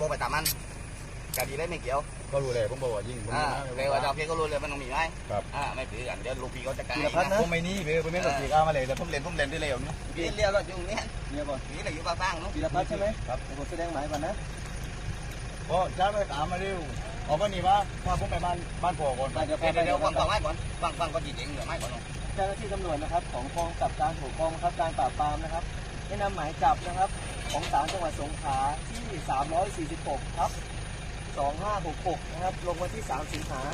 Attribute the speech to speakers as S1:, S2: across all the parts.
S1: บอกไปตามมันคดีได้ไม่เกี่ยว
S2: ก็รู้เลยผมบอกว่ายิง
S1: เลยว่าเราเพียงก็รู้เลยมันต้องมีไหม
S2: ครับ
S1: ไม่ถือกันเดี๋ยวลูกพี่เขาจะกลาย
S2: ผมไม่นี่ผมไม่ต้องตีก้ามาเลยแต่ผมเล่นได้เร็วนี่
S1: พี่เรียกรถอยู่เนี่ย
S2: เนี่ยก่อน
S1: นี่เราอยู่บ้านๆนู้น
S3: ธีรพัฒน์ใช่ไหมครับผมแสดงหมายก่อนนะ
S2: ก็จ้าไปตามมาเร็วออกมานี่ว่าพาผมไปบ้านพ่อก่อน
S1: เดี๋ยวฟังไม้ก่อนฟังก็จริงๆเดี๋ยวไม้ก่อน
S3: เจ้าหน้าที่ตำรวจนะครับของกองกำกับการกองบังคับการปราบปรามนะครับได้นำหมายจับนะครับของศาลจังหวัดสงขลาที่346ครับ2566นะครับลงวันที่3สิงหา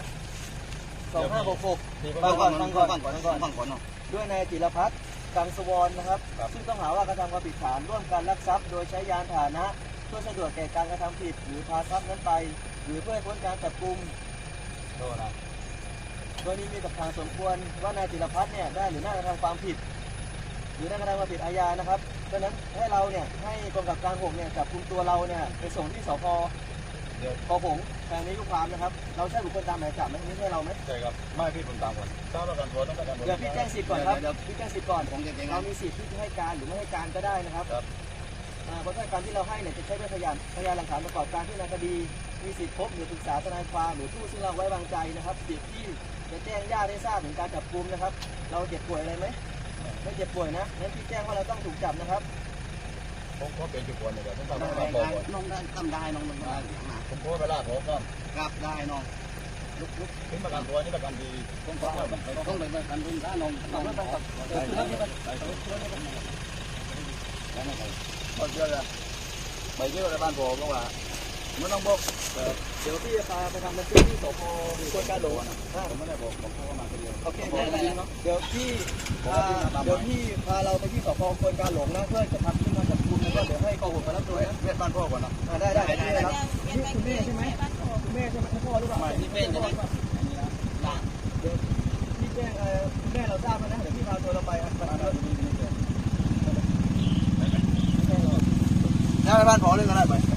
S3: 2566ฟังก่อนด้วยนายจิรพัฒน์กังสวรนะครับซึ่งต้องหาว่ากระทำความผิดฐานร่วมกันลักทรัพย์โดยใช้ยานพาหนะเพื่อสะดวกแก่การกระทำผิดหรือพาทรัพย์นั้นไปหรือเพื่อให้พ้นการจับกุมโดยนี้มีกับทางสมควรว่านายจิรพัฒน์เนี่ยได้หรือน่ากระทำความผิดหรือน่ากระทำความผิดอาญานะครับดังนั้นให้เราเนี่ยให้กองกับการ6เนี่ยจับกุมตัวเราเนี่ยไปส่งที่สพคหงทางนี้ลูกความนะครับเราใช่บุคคลตามหมายจับไหมนี่ใช่เราไหม
S2: ใช่ครับไม่พี่ผมตามก่อนทราบประกันตัวต้องประกันตัว
S3: เดี๋ยวพี่แจ้งสิทธิ์ก่อนครับพี่แจ้งสิทธิ์ก่อนเรามีสิทธิ์ที่จะให้การหรือไม่ให้การก็ได้นะครับเพราะการที่เราให้เนี่ยจะใช้เป็นพยานหลักฐานประกอบการที่ในคดีมีสิทธิ์พบหรือปรึกษาทนายความหรือผู้ซึ่งเราไว้วางใจนะครับสิทธิ์ที่จะแจ้งญาติให้ทราบถึงการจับกุมนะครับเราเจ็บป่วยอะไรไหมไม่เจ็บป่วยนะงั้นพี่แจ้งว่าเราต้องถูกจับนะครับ
S2: ผมก็เป็นจุดควรเลยผมทำได้
S1: น้องได้ทำได้น้องมันได้
S2: ผมก็ไปลาดผมก็
S1: กลับได้น้องลุก
S2: ถึงประกันตัวนี่ประกันดี
S1: ต้องไปประกันรุ่นถ้าน้องต้องไป
S2: พอเจอแล้วไปเที่ยวในบ้านผมก็ว่าไม่ต้องบอก
S3: เดี๋ยวพี่จะพาไปทำบันทึกที่สพควนกาหลง
S2: ผมไม่ได้บอกพ่อมาคนเดียว
S3: โอเคเดี๋ยวพี่พาเราไปที่สพควนกาหลงนะเพื่อจะทำขึ้นมาจับกุมแล้วก็เดี๋ยวให้กองหุ่นมารับตัวนะ
S2: เรียกบ้านพ่อก่อนนะ
S3: ได้ครับนี่คุณแม่ใช่ไหมคุณแม่ใช่ไหมพ่อหรือเปล่า
S1: ไม่นี่เป็นจะได้
S3: เดี๋ยวพี่แจ้งคุณแม่เราทราบนะเดี๋ยวพี่พาตัวเราไป
S2: ไปบ้านพ่อเรื่องอะไรไป